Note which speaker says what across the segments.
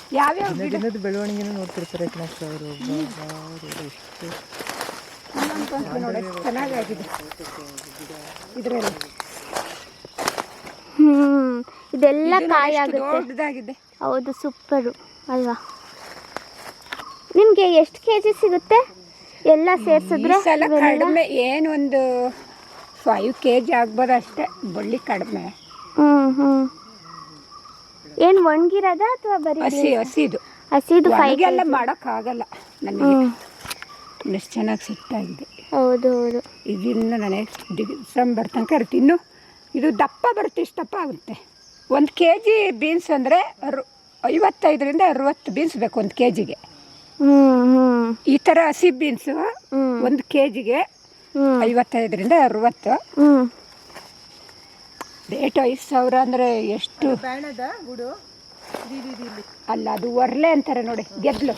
Speaker 1: ಯಾವ್ಯಾವ
Speaker 2: ದಿನದ ಬೆಳವಣಿಗೆನೂ ನೋಡ್ತಿರ್ತಾರೆ ಕಣಕ್ಕ ಅವರು. ಎಷ್ಟು
Speaker 1: ನೋಡಿ ಚೆನ್ನಾಗಾಗಿದೆ ಇದರಲ್ಲಿ.
Speaker 3: ಇದೆಲ್ಲ ಕಾಯಿ ಆಗುತ್ತೆ.
Speaker 1: ದೊಡ್ಡದಾಗಿದೆ.
Speaker 3: ಹೌದು, ಸೂಪರು ಅಲ್ವಾ? ನಿಮಗೆ ಎಷ್ಟು ಕೆಜಿ ಸಿಗುತ್ತೆ ಎಲ್ಲ ಸೇರಿಸಿದ್ರೆ?
Speaker 1: ಕಡಿಮೆ ಏನೊಂದು 5 kg ಆಗ್ಬೋದು ಅಷ್ಟೇ, ಬಳ್ಳಿ ಕಡಿಮೆ.
Speaker 3: ಏನು ಒಣಗಿರೋದ ಅಥವಾ ಬರೀ
Speaker 1: ಹಸಿದು?
Speaker 3: ಹಸಿದು 5
Speaker 1: ಎಲ್ಲ ಮಾಡೋಕ್ಕಾಗಲ್ಲ ನನಗೆ. ಎಷ್ಟು ಚೆನ್ನಾಗಿ ಸಿಟ್ಟಾಗಿದೆ.
Speaker 3: ಹೌದು ಹೌದು.
Speaker 1: ಇದನ್ನು ನನಗೆ ಡಿಸೆಂಬರ್ ತನಕ ಇರುತ್ತೆ. ಇನ್ನು ಇದು ದಪ್ಪ ಬರುತ್ತೆ, ಇಷ್ಟು ದಪ್ಪ ಆಗುತ್ತೆ. 1 kg ಬೀನ್ಸ್ ಅಂದರೆ 55ರಿಂದ 60 ಬೀನ್ಸ್ ಬೇಕು 1 kgಗೆ. ಈ ಥರ ಹಸಿ ಬೀನ್ಸು 1 kgಗೆ 55ರಿಂದ 60. ರೇಟ್ 5,000 ಅಂದರೆ ಎಷ್ಟು? ಅಲ್ಲ, ಅದು ಒರ್ಲೆ ಅಂತಾರೆ ನೋಡಿ, ಗೆದ್ಲು.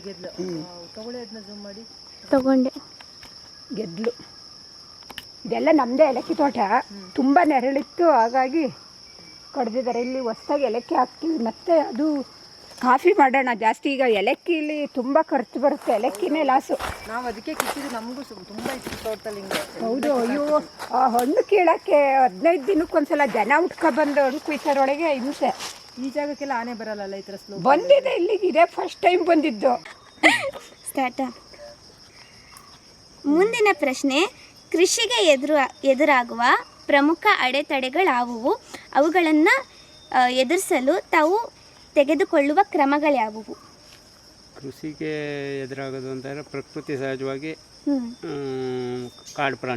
Speaker 3: ತಗೊಂಡೆ
Speaker 1: ಗೆದ್ಲು. ಇದೆಲ್ಲ ನಮ್ಮದೇ ಏಲಕ್ಕಿ ತೋಟ. ತುಂಬ ನೆರಳಿತ್ತು, ಹಾಗಾಗಿ ಕಡ್ದಿದ್ದಾರೆ. ಇಲ್ಲಿ ಹೊಸ್ದಾಗಿ ಏಲಕ್ಕಿ ಹಾಕ್ತೀವಿ. ಮತ್ತು ಅದು ಕಾಫಿ ಮಾಡೋಣ ಜಾಸ್ತಿ. ಈಗ ಏಲಕ್ಕಿಲಿ ತುಂಬ ಖರ್ಚು ಬರುತ್ತೆ, ಏಲಕ್ಕಿನೇ ಲಾಸು.
Speaker 2: ನಾವು ಅದಕ್ಕೆ ಕಿತ್ತಿದ್ದು, ನಮಗೂ ತುಂಬ ಇಷ್ಟ ತೋಟದಲ್ಲಿ ಹಿಂಗೆ.
Speaker 1: ಹೌದು. ಅಯ್ಯೋ, ಆ ಹಣ್ಣು ಕೀಳಕ್ಕೆ 15 ದಿನಕ್ಕೊಂದ್ಸಲ ಜನ ಉಟ್ಕೊಬಂದು ಹಣ್ಣು ಕುಯ್ತಾರೊಳಗೆ ಹಿಂಸೆ.
Speaker 2: ಈ ಜಾಗಕ್ಕೆಲ್ಲ ಆನೆ ಬರಲ್ಲ ಈ ಥರ ಸ್ಲೋ.
Speaker 1: ಬಂದಿದೆ ಇಲ್ಲಿಗೆ, ಇದೇ ಫಸ್ಟ್ ಟೈಮ್ ಬಂದಿದ್ದು.
Speaker 3: ಸ್ಟಾರ್ಟ. ಮುಂದಿನ ಪ್ರಶ್ನೆ, ಕೃಷಿಗೆ ಎದುರಾಗುವ ಪ್ರಮುಖ ಅಡೆತಡೆಗಳಾವುವು? ಅವುಗಳನ್ನು ಎದುರಿಸಲು ತಾವು ತೆಗೆದುಕೊಳ್ಳುವ ಕ್ರಮಗಳ್ಯಾವುವು?
Speaker 4: ಕೃಷಿಗೆ ಎದುರಾಗೋದು ಅಂತಂದರೆ ಪ್ರಕೃತಿ ಸಹಜವಾಗಿ ಕಾಡು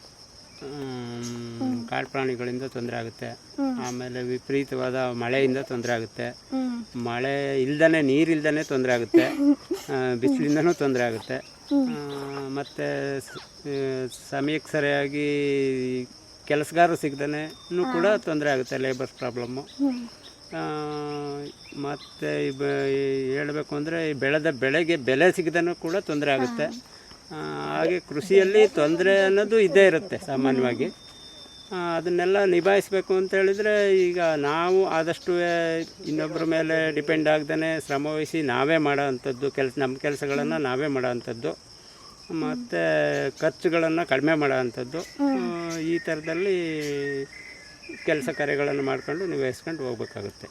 Speaker 4: ಪ್ರಾಣಿಗಳಿಂದ ತೊಂದರೆ ಆಗುತ್ತೆ. ಆಮೇಲೆ ವಿಪರೀತವಾದ ಮಳೆಯಿಂದ ತೊಂದರೆ ಆಗುತ್ತೆ. ಮಳೆ ಇಲ್ದೇ, ನೀರಿಲ್ದೇ ತೊಂದರೆ ಆಗುತ್ತೆ. ಬಿಸಿಲಿಂದನೂ ತೊಂದರೆ ಆಗುತ್ತೆ. ಮತ್ತು ಸಮಯಕ್ಕೆ ಸರಿಯಾಗಿ ಕೆಲಸಗಾರರು ಸಿಗದೇ ಕೂಡ ತೊಂದರೆ ಆಗುತ್ತೆ, ಲೇಬರ್ಸ್ ಪ್ರಾಬ್ಲಮ್ಮು. ಮತ್ತು ಹೇಳಬೇಕು ಅಂದರೆ ಬೆಳೆದ ಬೆಳೆಗೆ ಬೆಲೆ ಸಿಗದೂ ಕೂಡ ತೊಂದರೆ ಆಗುತ್ತೆ. ಹಾಗೆ ಕೃಷಿಯಲ್ಲಿ ತೊಂದರೆ ಅನ್ನೋದು ಇದ್ದೇ ಇರುತ್ತೆ ಸಾಮಾನ್ಯವಾಗಿ. ಅದನ್ನೆಲ್ಲ ನಿಭಾಯಿಸಬೇಕು ಅಂತ ಹೇಳಿದರೆ ಈಗ ನಾವು ಆದಷ್ಟು ಇನ್ನೊಬ್ಬರ ಮೇಲೆ ಡಿಪೆಂಡ್ ಆಗದೇ ಶ್ರಮವಹಿಸಿ ನಾವೇ ಮಾಡೋ ಅಂಥದ್ದು ನಮ್ಮ ಕೆಲಸಗಳನ್ನು ನಾವೇ ಮಾಡೋ ಅಂಥದ್ದು. ಮತ್ತು ಖರ್ಚುಗಳನ್ನು ಕಡಿಮೆ ಮಾಡೋ ಅಂಥದ್ದು. ಈ ಥರದಲ್ಲಿ ಕೆಲಸ ಕಾರ್ಯಗಳನ್ನು ಮಾಡ್ಕೊಂಡು ನಿಭಾಯಿಸ್ಕೊಂಡು ಹೋಗ್ಬೇಕಾಗುತ್ತೆ.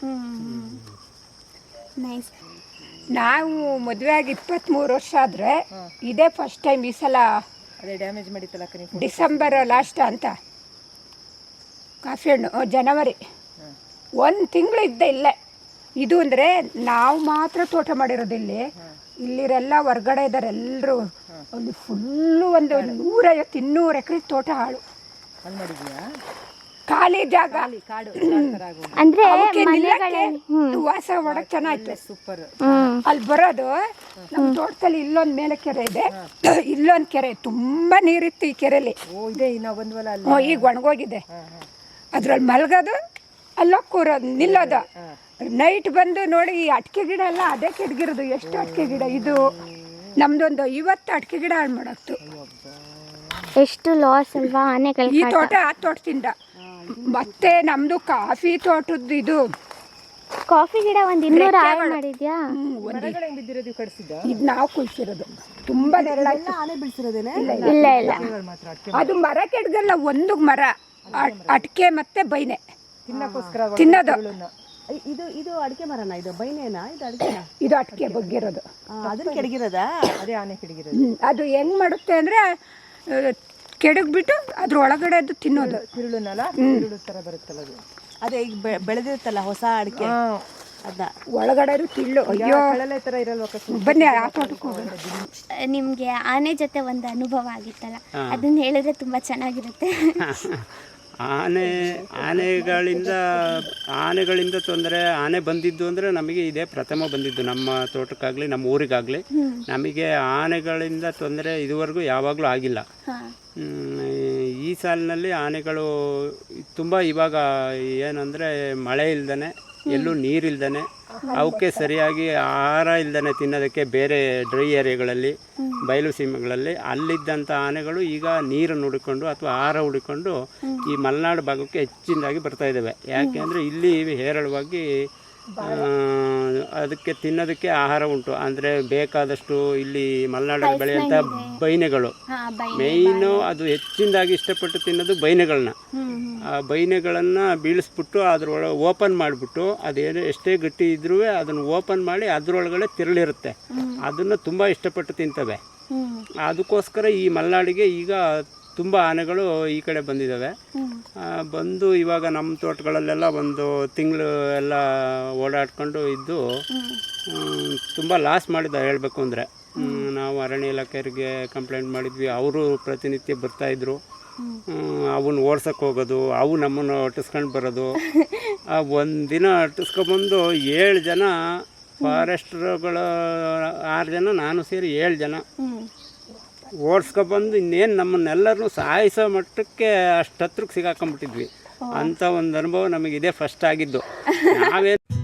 Speaker 1: ನಾವು ಮದುವೆ ಆಗಿ 23 ವರ್ಷ ಆದರೆ ಇದೇ ಫಸ್ಟ್ ಟೈಮ್. ಈ ಸಲ
Speaker 2: ಅದೇ ಡ್ಯಾಮೇಜ್ ಮಾಡಿತ್ತಲ್ಲ
Speaker 1: ಡಿಸೆಂಬರ್ ಲಾಸ್ಟ್ ಅಂತ ಕಾಫಿ ಹಣ್ಣು, ಜನವರಿ 1 ತಿಂಗಳು ಇದ್ದೆ ಇಲ್ಲೇ. ಇದು ಅಂದರೆ ನಾವು ಮಾತ್ರ ತೋಟ ಮಾಡಿರೋದು. ಇಲ್ಲಿರೆಲ್ಲ ಹೊರ್ಗಡೆ ಇದ್ದಾರೆ ಎಲ್ಲರೂ. ಒಂದು ಫುಲ್ಲು ಒಂದು 150-200 ಎಕರೆ ತೋಟ ಹಾಳು
Speaker 2: ಮಾಡಿದ್ಯಾ?
Speaker 1: ಖಾಲಿ ಜಾಗ,
Speaker 3: ಅಂದ್ರೆ
Speaker 1: ವಾಸ ಮಾಡಕ್ ಚೆನ್ನಾಯ್ತು.
Speaker 2: ಸೂಪರ್.
Speaker 1: ಅಲ್ಲಿ ಬರೋದು ನಮ್ಮ ತೋಟದಲ್ಲಿ ಇಲ್ಲೊಂದು ಮೇಲೆ ಕೆರೆ ಇದೆ, ಇಲ್ಲೊಂದು ಕೆರೆ ತುಂಬಾ ನೀರಿತ್ತು. ಈ ಕೆರೆಯಲ್ಲಿ ಈಗ ಒಣಗೋಗಿದೆ. ಅದ್ರಲ್ಲಿ ಮಲ್ಗೋದು, ಅಲ್ಲೋಗಿ ಕೂರೋದು, ನಿಲ್ಲೋದು. ನೈಟ್ ಬಂದು ನೋಡಿ, ಈ ಅಡಿಕೆ ಗಿಡ ಎಲ್ಲ ಅದೇ ಕೆಡ್ಗಿರೋದು. ಎಷ್ಟು ಅಡಿಕೆ ಗಿಡ ಇದು! ನಮ್ದೊಂದು 50 ಅಡಿಕೆ ಗಿಡ ಹಾಳು ಮಾಡಾಕ್ತು.
Speaker 3: ಎಷ್ಟು ಲಾಸ್ ಅಲ್ವಾ ಆನೆಗಳ.
Speaker 1: ಈ ತೋಟ ಆ ತೋಟದಿಂದ. ಮತ್ತೆ ನಮ್ದು ಕಾಫಿ ತೋಟದ್ದು ಇದು
Speaker 3: ಕಾಫಿ ಗಿಡ ಒಂದು 200 ಹಾಳು ಮಾಡಿದ್ಯಾ?
Speaker 1: ಇದು ನಾವು ಕುಯ್ಸಿರೋದು. ತುಂಬಾ ನೆರಳಾಯ್ತು.
Speaker 2: ಆನೆ ಬೀಳ್ಸಿರೋದೇನೆ?
Speaker 3: ಇಲ್ಲ ಇಲ್ಲ,
Speaker 1: ಅದು ಮರ ಕೆಡ್ಗಲ್ಲ, ಒಂದು ಮರ ಅಡಿಕೆ ಮತ್ತೆ ಬೈನೆ
Speaker 2: ತಿನ್ನಕ್ಕೋಸ್ಕರ
Speaker 1: ತಿನ್ನೋದು.
Speaker 2: ಇದು ಅಡಿಕೆ ಮರನಾ? ಇದು ಬೈನೇನಾ? ಇದು ಅಡಿಕೆನಾ?
Speaker 1: ಇದು ಅಡಿಕೆ ಬಗ್ಗಿರೋದು.
Speaker 2: ಅದನ್ನ ಕೆಡಗಿರೋದಾ? ಅದೇ ಆನೆ ಕೆಡಗಿರೋದು.
Speaker 1: ಅದು ಹೆಂಗ್ ಮಾಡುತ್ತೆ ಅಂದ್ರೆ ಕೆಡಗ್ಬಿಟ್ಟು ಅದ್ರ ಒಳಗಡೆ ಅದು ತಿನ್ನೋದು.
Speaker 2: ತಿರುಳುನಲ್ಲ, ತಿರುಳು ತರ ಬರುತ್ತಲ್ಲ ಅದು. ಅದೇ ಈಗ ಬೆಳೆದಿರುತ್ತಲ್ಲ ಹೊಸ ಅಡಿಕೆ, ಅದ ಒಳಗಡೆ
Speaker 1: ತಿಳ್ಳು. ಅಯ್ಯೋ,
Speaker 2: ತರ ಇರಲ್ವ?
Speaker 1: ಬನ್ನಿ ಆ ತೋಟಕ್ಕೆ ಹೋಗೋಣ.
Speaker 3: ನಿಮ್ಗೆ ಆನೆ ಜೊತೆ ಒಂದು ಅನುಭವ ಆಗಿತ್ತಲ್ಲ, ಅದನ್ನ ಹೇಳಿದ್ರೆ ತುಂಬಾ ಚೆನ್ನಾಗಿರುತ್ತೆ.
Speaker 4: ಆನೆಗಳಿಂದ ತೊಂದರೆ, ಆನೆ ಬಂದಿದ್ದು ಅಂದರೆ ನಮಗೆ ಇದೇ ಪ್ರಥಮ ಬಂದಿದ್ದು. ನಮ್ಮ ತೋಟಕ್ಕಾಗಲಿ ನಮ್ಮ ಊರಿಗಾಗಲಿ ನಮಗೆ ಆನೆಗಳಿಂದ ತೊಂದರೆ ಇದುವರೆಗೂ ಯಾವಾಗಲೂ ಆಗಿಲ್ಲ. ಈ ಸಾಲಿನಲ್ಲಿ ಆನೆಗಳು ತುಂಬ ಇವಾಗ ಏನಂದರೆ ಮಳೆ ಇಲ್ದೇ, ಎಲ್ಲೂ ನೀರಿಲ್ದೇ, ಅವಕ್ಕೆ ಸರಿಯಾಗಿ ಆಹಾರ ಇಲ್ದೇ ತಿನ್ನೋದಕ್ಕೆ ಬೇರೆ ಡ್ರೈ ಏರಿಯಾಗಳಲ್ಲಿ, ಬಯಲು ಸೀಮೆಗಳಲ್ಲಿ ಅಲ್ಲಿದ್ದಂಥ ಆನೆಗಳು ಈಗ ನೀರನ್ನು ಹುಡುಕೊಂಡು ಅಥವಾ ಆಹಾರ ಹುಡುಕೊಂಡು ಈ ಮಲೆನಾಡು ಭಾಗಕ್ಕೆ ಹೆಚ್ಚಿನದಾಗಿ ಬರ್ತಾ ಇದ್ದಾವೆ. ಯಾಕೆ ಅಂದರೆ ಇಲ್ಲಿ ಹೇರಳವಾಗಿ ಅದಕ್ಕೆ ತಿನ್ನೋದಕ್ಕೆ ಆಹಾರ ಉಂಟು. ಅಂದರೆ ಬೇಕಾದಷ್ಟು ಇಲ್ಲಿ ಮಲೆನಾಡಲ್ಲಿ ಬೆಳೆಯುವಂಥ ಬೈನೆಗಳು ಮೇಯ್ನು, ಅದು ಹೆಚ್ಚಿನದಾಗಿ ಇಷ್ಟಪಟ್ಟು ತಿನ್ನೋದು ಬೈನೆಗಳನ್ನ. ಆ ಬೈನೆಗಳನ್ನು ಬೀಳಿಸ್ಬಿಟ್ಟು ಅದರೊಳಗೆ ಓಪನ್ ಮಾಡಿಬಿಟ್ಟು ಅದೇನು ಎಷ್ಟೇ ಗಟ್ಟಿ ಇದ್ರೂ ಅದನ್ನು ಓಪನ್ ಮಾಡಿ ಅದರೊಳಗಡೆ ತಿರುಳಿರುತ್ತೆ, ಅದನ್ನು ತುಂಬ ಇಷ್ಟಪಟ್ಟು ತಿಂತವೆ. ಅದಕ್ಕೋಸ್ಕರ ಈ ಮಲೆನಾಡಿಗೆ ಈಗ ತುಂಬ ಆನೆಗಳು ಈ ಕಡೆ ಬಂದಿದ್ದಾವೆ. ಬಂದು ಇವಾಗ ನಮ್ಮ ತೋಟಗಳಲ್ಲೆಲ್ಲ ಒಂದು ತಿಂಗಳು ಎಲ್ಲ ಓಡಾಡ್ಕೊಂಡು ಇದ್ದು ತುಂಬ ಲಾಸ್ ಮಾಡಿದ ಹೇಳಬೇಕು ಅಂದರೆ. ನಾವು ಅರಣ್ಯ ಇಲಾಖೆಯವರಿಗೆ ಕಂಪ್ಲೇಂಟ್ ಮಾಡಿದ್ವಿ, ಅವರು ಪ್ರತಿನಿತ್ಯ ಬರ್ತಾಯಿದ್ರು. ಅವನ್ನ ಓಡ್ಸೋಕ್ಕೆ ಹೋಗೋದು, ಅವು ನಮ್ಮನ್ನು ಅಟ್ಟಿಸ್ಕೊಂಡು ಬರೋದು. ಒಂದಿನ ಅಟ್ಟಿಸ್ಕೊಬಂದು 7 ಜನ ಫಾರೆಸ್ಟ್ರುಗಳು, 6 ಜನ, ನಾನು ಸೇರಿ 7 ಜನ ಓಡಿಸ್ಕೊಬಂದು ಇನ್ನೇನು ನಮ್ಮನ್ನೆಲ್ಲರೂ ಸಾಯಿಸೋ ಮಟ್ಟಕ್ಕೆ ಅಷ್ಟು ಹತ್ರಕ್ಕೆ ಸಿಗಾಕೊಂಬಿಟ್ಟಿದ್ವಿ. ಅಂಥ ಒಂದು ಅನುಭವ ನಮಗಿದೆ ಫಸ್ಟ್ ಆಗಿದ್ದು. ನಾವೇನು